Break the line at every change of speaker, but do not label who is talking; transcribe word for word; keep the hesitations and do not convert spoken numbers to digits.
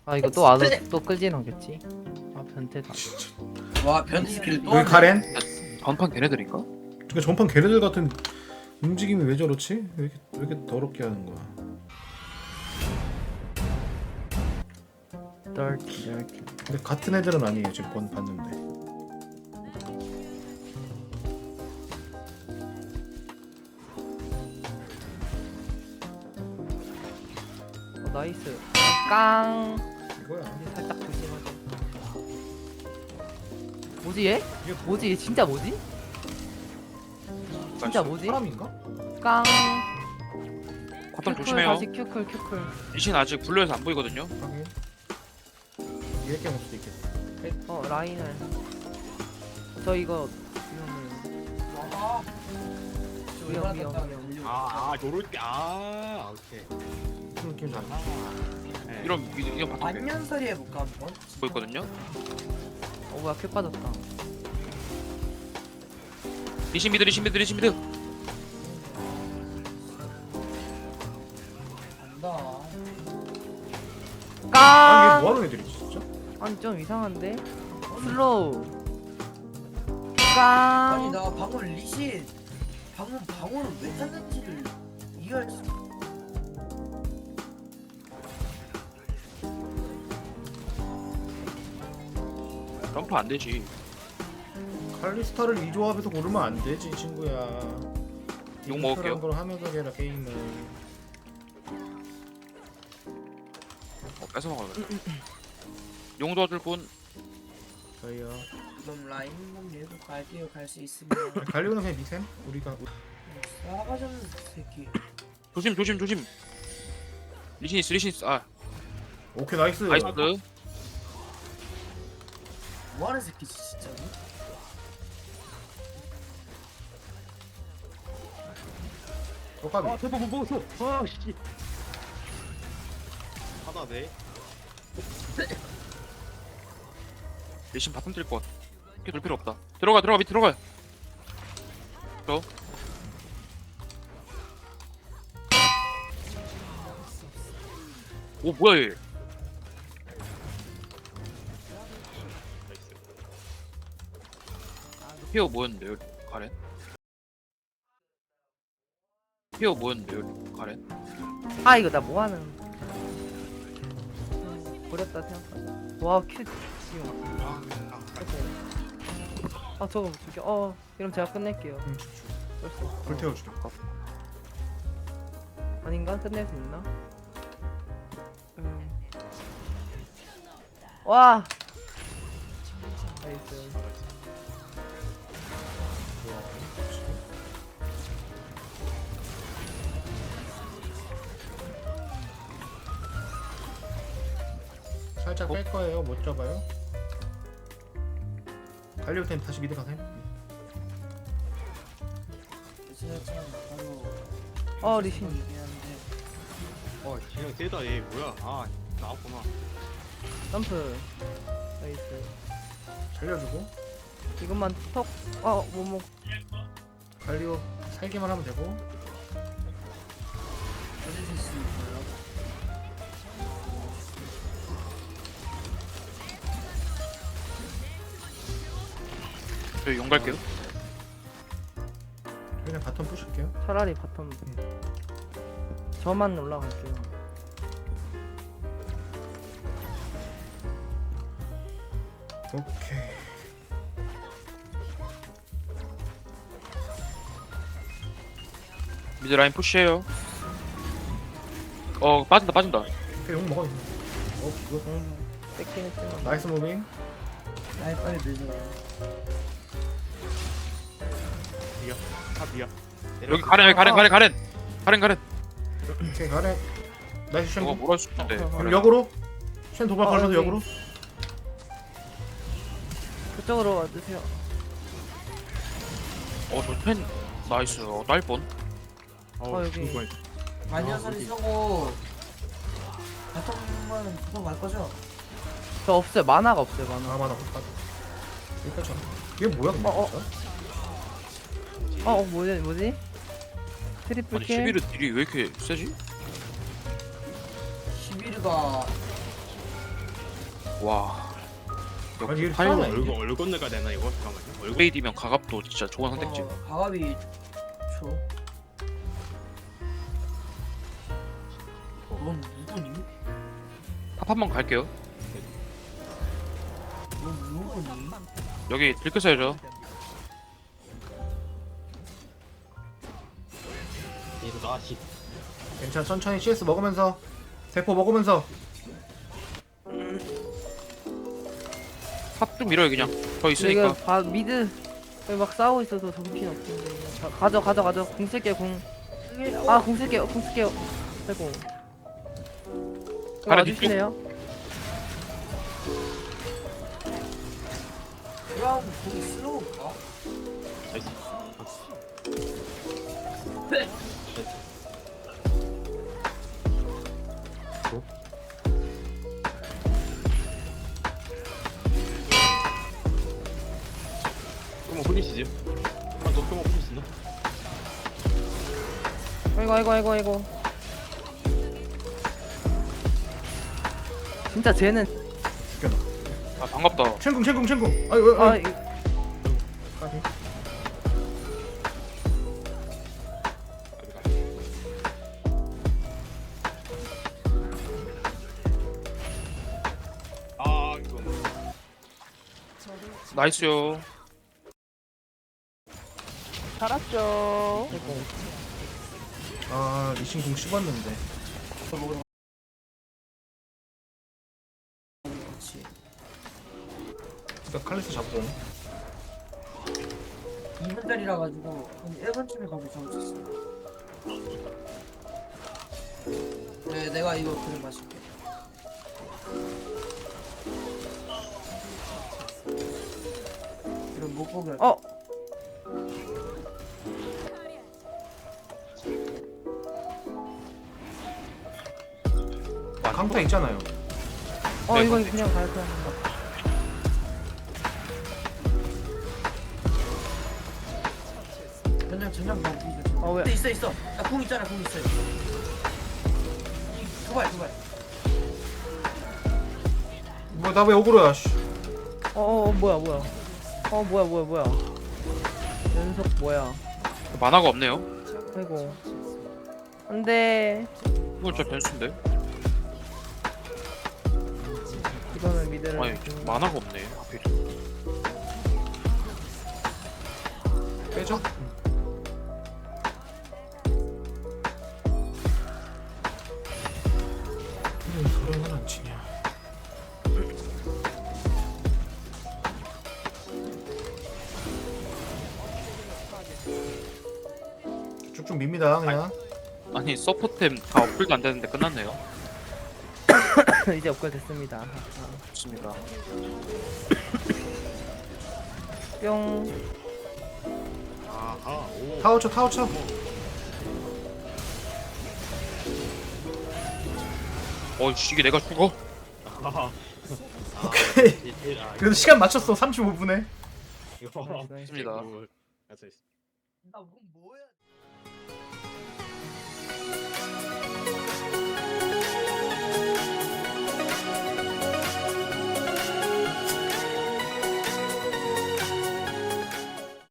아 이거 또 와서 또 끌진 않겠지? 아 변태다.
와 변태 스킬 또
여기
하네.
가렌?
전판 걔네들인가?
그러니까 전판 걔네들 같은 움직임이 왜 저렇지? 왜 이렇게, 왜 이렇게 더럽게 하는 거야?
dirty dirty.
근데 같은 애들은 아니에요. 지금 번 봤는데.
어, 나이스. 깡.
이거야.
근데 살짝 조심하자. 뭐지 얘?
이게
뭐지 얘 진짜 뭐지? 진짜 뭐지?
사람인가?
깡.
과탐
큐클
조심해요.
다시 큐클 큐클.
리신 아직 블루에서 안 보이거든요.
확인. 얘 게임 올 수도 있겠다.
어 라인을. 저 이거 위험해요.
와. 저
위험,
얼마나
위험,
답답해.
위험.
아, 아, 요럴 때, 아, 오케이.
무슨 느낌 나?
네.
이런 이- 이런 바텀
안녕설이 해볼까 한번?
보였거든요.
어 뭐야 큐 빠졌다.
리신 미드 리신 미드 리신 미드.
간다.
아니
깡.
얘 뭐하는 애들이지 진짜?
아니 좀 이상한데? 슬로우.
아니
깡.
나 방금 리신 방금 방어를 왜 탔는지를 이해할 수.
점프 안 되지.
칼리스타를 이 조합에서 고르면 안 되지 친구야.
욕 먹을게요.
걸 하면서 해라 게임을.
어, 뺏어 먹어요. 용 도와줄 분.
저희요.
그럼 라인 한번 밀고 갈게요. 갈 수 있으면.
갈리오는 그냥 미셈? 우리가
싸가지 없는 새끼.
조심 조심 조심. 리신 있어 리신 있어. 아
오케이 나이스.
나이스.
뭐하는 새끼지 진짜로?
똑같이.
아, 대박 못 먹었어. 아, 씨. 하나네.
리신 바텀 뛸것 같아. 이렇게 돌 필요 없다. 들어가 들어가 밑 들어가. 저. 오 뭐야 얘.
나이스.
피어 뭐였는데요 가렌? 피어 뭐였는데요 가렌?
아 이거 나 뭐하는? 음, 버렸다 생각하자. 와 큐 지금.
아, 아,
아 저거 저기 어 이러면 제가 끝낼게요.
응,
벌써.
불태워주려.
아닌가? 끝낼 수 있나? 음. 와. 나이스.
살짝
어?
뺄 거예요. 못 잡아요. 갈리오 템 다시 미드 가셈.
제가 바로.
어 리신.
얘기하는데
어, 그냥 세다, 얘. 뭐야. 아, 나왔구나.
점프. 나이스.
살려주고
이것만 턱. 어 뭐뭐.
갈리오 살기만 하면 되고.
어디 수 있어요?
저 용 갈게요.
그냥 바텀 부실게요.
차라리 바텀. 저만 올라갈게요.
오케이.
미드 라인 푸시해요. 어 빠진다 빠진다.
오케이 용 먹어. 어 그거
음, 뺏긴 했지만.
나이스 무빙.
아이 빨리 밀려.
미야. 아, 미야.
여기 가렌 여기 가렌 가렌 가렌 가렌 가렌.
오케이 가래. 나이스 쉔.
저거 뭐라 할수 있는데.
어, 어, 어.
그럼 역으로. 쉔 도발
어,
걸면서
여기.
역으로.
그쪽으로 와주세요.
어저펜 나이스. 어, 딸 뻔.
어, 여기.
이거
안녕설이 서고. 바텀만 바텀 갈 거죠?
저 없어요. 만화가 없어요. 만화.
아 맞아. 맞아. 여기까지. 얘 뭐야 근데
어, 어.
진짜?
어, 어 뭐지 뭐지? 트리플
아니
킬.
십일은 딜이 왜 이렇게 세지?
시비르가
와.
아니, 이게
파일로
사람이-
얼굴 얼굴 건너가야 되나 이거? 잠깐만요. 얼굴
업그레이드면 가갑도 진짜 좋은 선택지.
어, 가갑이 초. 넌 누구니?
탑 한번 갈게요.
넌 누구니?
여기 들켰어야죠.
얘도 나시.
괜찮아 천천히 씨에스 먹으면서 세포 먹으면서
탑 좀 밀어요 그냥. 저
근데
있으니까.
이거 바, 미드 여기 막 싸우고 있어서 정신 없는데 그냥 가- 가져 가져 가져 궁 쓸게요 궁아궁 쓸게요 궁 쓸게요 아이고 이거
가라,
와주시네요
그럼 거기 슬로우 가?
나이스. 조금만 홀리시지. 한번 더 조금만 홀릴 수 있나?
아이고 아이고 아이고 아이고 진짜 쟤는
아 반갑다.
챙궁 챙궁 챙궁 아이고
아
아이고
이-
아 이거.
나이스요.
살았죠 아이고
아 리신 궁 씹었는데
그렇지.
일단 칼리스 잡고
이 분짜리라 가지고 한 일 분쯤에 가서 잡을 수 있어. 네, 내가 이거 그림 마실게. 이런 못 보게 할게.
어
강타 있잖아요
어
네,
이거
근데-
그냥 갈 거야
전장 전장 봐.
어, 왜?
있어 있어. 나궁 있잖아. 궁 있어. 두발 두발.
뭐 나 왜 억울해 씨
어어 어, 뭐야 뭐야 어 뭐야 뭐야 뭐야 연속 뭐야
만화가 없네요.
아이고 안돼
이건 진짜 변수인데.
이거는 미드를
아니 만화가 없네. 하필.
빼죠 왜 서령은 안 치냐 쭉쭉 밉니다 그냥
아니 서포템 다 업글도 안 되는데 끝났네요.
이제 업글 됐습니다 아,
좋습니다.
뿅
아하 오.
타워 쳐 타워 쳐
어이씨 이게 내가 죽어?
아하.
오케이
일- 일- 아,
그래도 시간 맞췄어 삼십오 분에
이거.
나이스,
좋습니다.
굿. 나이스, 나이스.
나궁 뭐야?